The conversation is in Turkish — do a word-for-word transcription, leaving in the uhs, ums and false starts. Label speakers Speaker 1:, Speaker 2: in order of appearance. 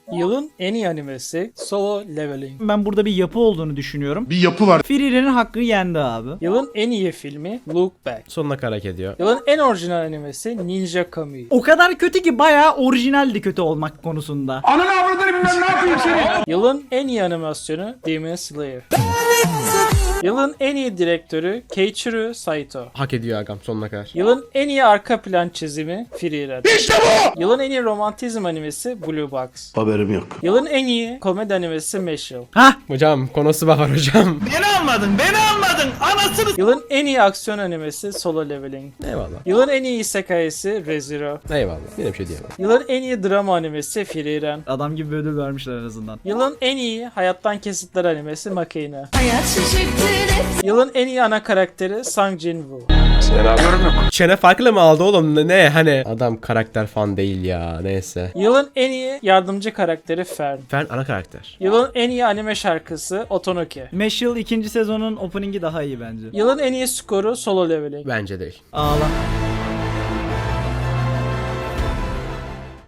Speaker 1: Yılın en iyi animesi Solo Leveling.
Speaker 2: Ben burada bir yapı olduğunu düşünüyorum.
Speaker 3: Bir yapı var.
Speaker 2: Frieren hakkı yendi abi.
Speaker 1: Yılın en iyi filmi Look Back.
Speaker 4: Sonuna kadar hak ediyor.
Speaker 1: Yılın en orijinal animesi Ninja Kami.
Speaker 2: O kadar kötü ki bayağı orijinaldi kötü olmak konusunda.
Speaker 3: Ananı avradını bilmem ne yapayım seni.
Speaker 1: Yılın en iyi animasyonu Demon Slayer. Yılın en iyi direktörü Keiichiro Saito.
Speaker 4: Hak ediyor agam sonuna kadar.
Speaker 1: Yılın en iyi arka plan çizimi Frieren. İşte bu! Yılın en iyi romantizm animesi Blue Box.
Speaker 3: Haberim yok.
Speaker 1: Yılın en iyi komedi animesi Meshul.
Speaker 2: Hah,
Speaker 4: Hocam konusu var hocam.
Speaker 1: Yılın en iyi aksiyon animesi Solo Leveling.
Speaker 4: Eyvallah.
Speaker 1: Yılın en iyi isekai'si Re:Zero.
Speaker 4: Eyvallah. Yine bir şey diyemem.
Speaker 1: Yılın en iyi drama animesi Frieren.
Speaker 2: adam gibi bir ödül vermişler en azından.
Speaker 1: Yılın en iyi hayattan kesitler animesi Makina.
Speaker 5: Hayat şaşırttı.
Speaker 1: Yılın en iyi ana karakteri Sang Jin-woo.
Speaker 4: Çene farklı mı aldı oğlum? Ne, ne hani? Adam karakter fan değil ya. Neyse.
Speaker 1: Yılın en iyi yardımcı karakteri Fern.
Speaker 4: Fern ana karakter.
Speaker 1: Yılın en iyi anime şarkısı Otonoke.
Speaker 2: Meshul ikinci sezonun opening'i daha iyi bence.
Speaker 1: Yılın en iyi skoru Solo Leveling.
Speaker 4: Bence değil.
Speaker 2: Ağla.